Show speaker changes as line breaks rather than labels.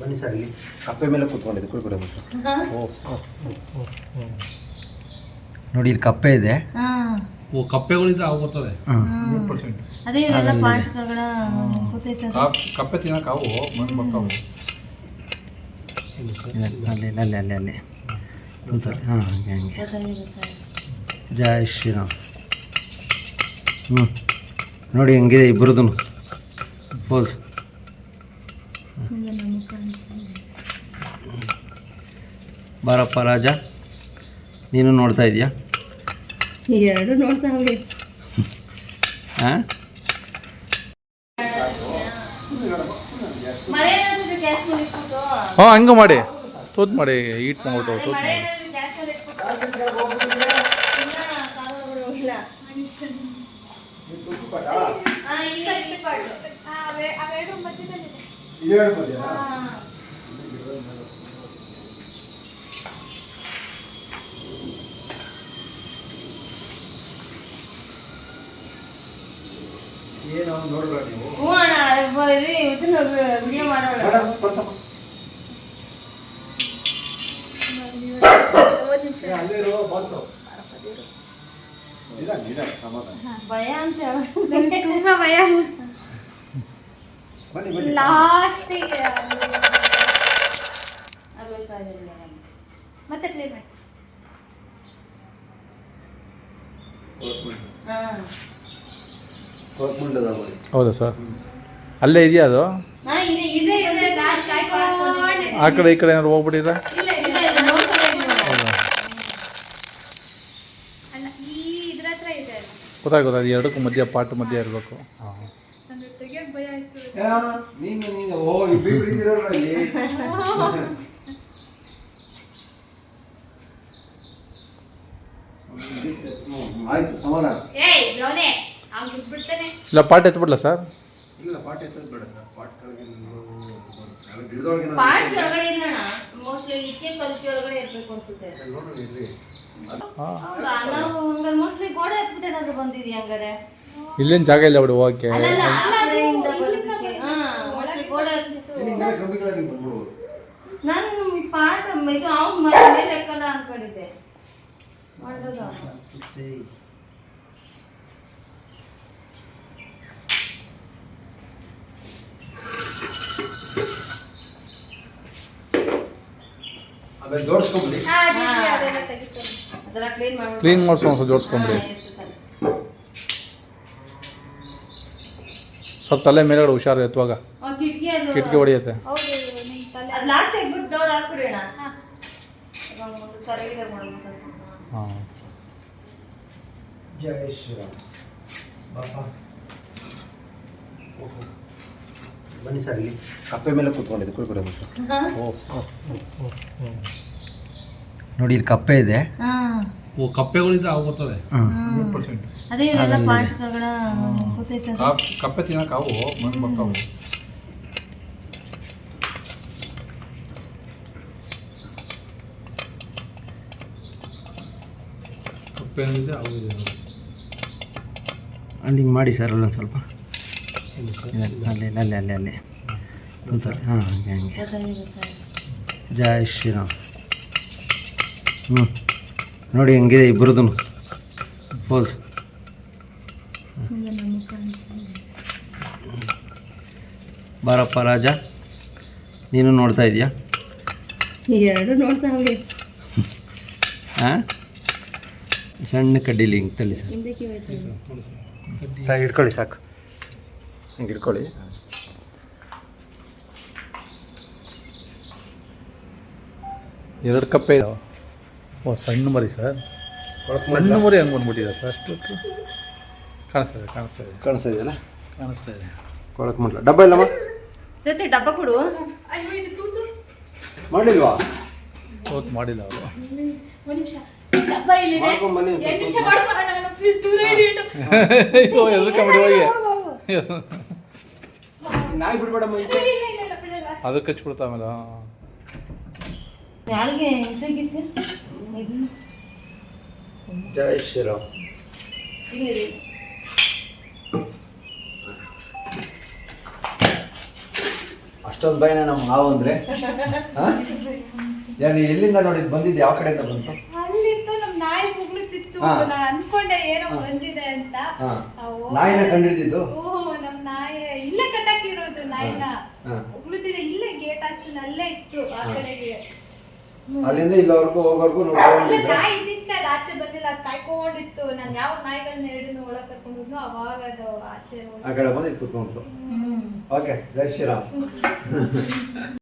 ಬನ್ನಿ ಸರ್, ಇಲ್ಲಿ ಕಪ್ಪೆ ಮೇಲೆ ಕೂತ್ಕೊಂಡಿದೆ, ಕುಳ್ಕೊಡೆ ನೋಡಿ, ಇಲ್ಲಿ ಕಪ್ಪೆ ಇದೆ.
ಕಪ್ಪೆಗಳಿದ್ರೆ ಅವು ಬರ್ತದೆ 100%.
ಅದೇ ಇವೆಲ್ಲ ಪಾರ್ಟ್ಗಳ
ಕಪ್ಪೆ ತಿನ್ನಕ್ಕೆ ಅವು ಬಂದು ಬರ್ತಾವೆ.
ಅಲ್ಲಿ ಕೂತಾರೆ. ಹಾಂ, ಹಂಗೆ ಜೈ ಶ್ರೀರಾಮ್. ನೋಡಿ ಹೆಂಗಿದೆ ಇಬ್ಬರದು ಪೋಸ್. ಬಾರಪ್ಪ ರಾಜ, ನೀನು ನೋಡ್ತಾ ಇದೆಯಾ?
ಎರಡು ನೋಡ್ತಾವೆ.
ಹಾಂ,
ಹಾಂ ಹಂಗೆ ಮಾಡಿ ತೂತ್ ಮಾಡಿ ಈಟ್ ಮಾಡ್ಬಿಟ್ಟು ತೂತ್ ಮಾಡಿ.
ಏನು ನೋಡ್ಬೇಡ ನೀವು.
ವಿಡಿಯೋ ಮಾಡೋಣ. ಭಯ ಅಂತ
ತುಂಬಾ ಭಯ. ಲಾಸ್ಟಿಗೆ ಮತ್ತೆ ಪ್ಲೇ ಮಾಡಿ.
ಹೌದಾ ಸರ್? ಅಲ್ಲೇ ಇದೆಯಾ ಅದು? ಆ ಕಡೆ ಈ ಕಡೆ ಏನಾದ್ರು ಹೋಗ್ಬಿಟ್ಟಿದೆ? ಗೊತ್ತಾಗೋದು, ಅದು ಎರಡಕ್ಕೂ ಮಧ್ಯ ಪಾಟ್ ಮಧ್ಯ ಇರಬೇಕು. ಹಾಂ,
ಆಯ್ತು, ಸಮಾಧಾನ.
ಇಲ್ಲ ಪಾಟ್ ಎತ್ಬಿಡ್ಲಾ ಸರ್?
ಇಲ್ಲ, ಪಾಟ್ ಎತ್ತೋದು ಬೇಡ ಸರ್. ಪಾಟ್ ಕೆಳಗೆ
ಮೋಸ್ಟ್ಲಿ ಈಚೆ ಕಲ್ಕಿ ಒಳಗಡೆ ಇರ್ಬೇಕು ಅನ್ಸುತ್ತೆ.
ನೋಡ್ರಿ ಇಲ್ಲಿ.
ನಾವು ಹಂಗಾರೆ ಮೋಸ್ಟ್ಲಿ ಗೋಡೆ ಹತ್ಬಿಟ್ಟು ಏನಾದ್ರು ಬಂದಿದ್ಯಾ ಹಂಗಾರೆ?
ಇಲ್ಲೇನು ಜಾಗ ಇಲ್ಲ ಬಿಡು ಹೋಗಕ್ಕೆ.
ನಾನು ಪಾಠ ಇದು ಅವ್ನ ಮೇಲೆ ಲೆಕ್ಕಲ್ಲ ಅನ್ಕೊಂಡಿದ್ದೆ. ಮಾಡೋದು
ಆಮೇಲೆ ಜೋಡಿಸ್ಕೊಂಬಿಡಿ.
ಅದೆಲ್ಲ ಕ್ಲೀನ್ ಮಾಡಿ
ಕ್ಲೀನ್ ಮಾಡಿಸೋ ಒಂದು ಜೋಡಿಸ್ಕೊಂಬಿಡಿ. ಸ್ವಲ್ಪ ತಲೆ ಮೇಲೆಗಡೆ ಹುಷಾರು ಎತ್ತುವಾಗ ಕಿಟಕಿ ಹೊಡೆಯುತ್ತೆ. ಹಾಂ,
ಜೈ ಶ್ರೀರಾಮ್. ಬನ್ನಿ ಸರ್, ಇಲ್ಲಿ ಕಪ್ಪೆ ಮೇಲೆ ಕೂತ್ಕೊಂಡಿದೆ, ಕುಳ್ಕೊಡೆ ನೋಡಿ, ಇಲ್ಲಿ ಕಪ್ಪೆ ಇದೆ.
ಕಪ್ಪೆಗಳಿದ್ರೆ ಅವು ಬರ್ತದೆ 100%.
ಅದೇ ಇವೆಲ್ಲ ಪಾರ್ಟ್ಗಳ
ಕಪ್ಪೆ ತಿನ್ನಕ್ಕೆ ಅವು ಬಂದು ಬರ್ತಾವೆ. ಕಪ್ಪೆ ಏನಿದೆ ಅವು ಇದೆ.
ಅಲ್ಲಿ ಹಿಂಗೆ ಮಾಡಿ ಸರ್, ಅಲ್ಲೊಂದು ಸ್ವಲ್ಪ ಅಲ್ಲಿ ಕೂತಾರೆ. ಹಾಂ, ಹಂಗೆ ಜೈ ಶ್ರೀರಾಮ್. ನೋಡಿ ಹೆಂಗಿದೆ ಇಬ್ಬರದು ಪೋಸ್. ಬಾರಪ್ಪ ರಾಜ, ನೀನು ನೋಡ್ತಾ ಇದೆಯಾ?
ಎರಡು ನೋಡ್ತಾವೆ.
ಹಾಂ, ಸಣ್ಣ ಕಡ್ಡಿಲಿ ಹಿಂಗೆ ತಳ್ಳಿ ಸರ್. ಹಿಡ್ಕೊಳ್ಳಿ, ಸಾಕು, ಹಿಂಗೆ ಹಿಡ್ಕೊಳ್ಳಿ.
ಎರಡು ಕಪ್ಪೆ ಇದಾವೆ. ಓ, ಸಣ್ಣ ಮರಿ ಸರ್. ಸಣ್ಣ ಮರಿ ಹಂಗೆ ಬಂದ್ಬಿಟ್ಟಿದೆ ಸರ್. ಅಷ್ಟು ಕಾಣಿಸ್ತಾ ಇದೆಯಲ್ಲ? ಕಾಣಿಸ್ತಾ ಇದೆ.
ಕೊಳಕ್ಕೆ ಮಾಡಲ ಡಬ್ಬ ಇಲ್ಲಮ್ಮ?
ಡಬ್ಬ ಕೊಡು.
ಮಾಡಿಲ್ವಾ?
ತೂತ್ ಮಾಡಿಲ್ಲ ಅವರು.
ನಾಯಿ ಬಿಡ್ಬೇಡಮ್ಮ,
ಅದಕ್ಕೆ ಹಚ್ಬಿಡ್ತಾ ಆಮೇಲೆ.
ಜೈ ಶ್ರೀರಾಮ್. ಅಷ್ಟು ಅಷ್ಟೊಂದು ಭಯನ ನಮ್ಮ ಹಾವು ಅಂದರೆ ನೀನು ಎಲ್ಲಿಂದ ನೋಡಿದ್ದು ಬಂದಿದ್ದು ಯಾವ ಕಡೆಯಿಂದ ಬಂತು?
ಅಲ್ಲಿತ್ತು ನಮ್ ನಾಯಿ ಉಗುಳುತ್ತಿತ್ತು.
ಹಾ.
ನಾನು ಅನ್ಕೊಂಡೆ ಏನೋ ಬಂದಿದೆ ಅಂತ.
ಹಾ.
ಅವು-
ನಾಯಿನ ಕಂಡಿಡಿದಿದ್ದು?
ನಮ್ ನಾಯಿ ಇಲ್ಲೇ ಕಟ್ಟಾಕಿರೋದು ನಾಯಿನ.
ಹಾ.
ಉಗುಳುತ್ತಿದೆ ಇಲ್ಲೇ ಗೇಟ್ ಆಚೆ ಅಲ್ಲೇ ಇತ್ತು ಆ ಕಡೆಗೆ.
ಅಲ್ಲಿಂದ ಇಲ್ಲವರೆಗೂ ಹೋಗೋರ್ಗು
ಅಲ್ಲೇ
ನೋಡ್ಕೊಂಡಿದ್ದೆ.
ನಾಯಿ ಇದ್ದಿದ್ಕೆ ಅದು ಆಚೆ ಬಂದಿಲ್ಲ, ಅದು ಕಾಯ್ಕೊಂಡಿತ್ತು. ನಾನು ಯಾವ ನಾಯಿಗಳನ್ನ ಎರಡನ್ನ ಒಳಗೆ ಕರ್ಕೊಂಡು ಹೋದ್ನೋ ಅವಾಗ ಅದು ಆಚೆ
ಆ ಕಡೆ ಬಂದು ಇಲ್ಲಿ ಕೂತ್ಕೊಂಡ್ತು. ಓಕೆ, ಜೈ ಶ್ರೀರಾಮ್.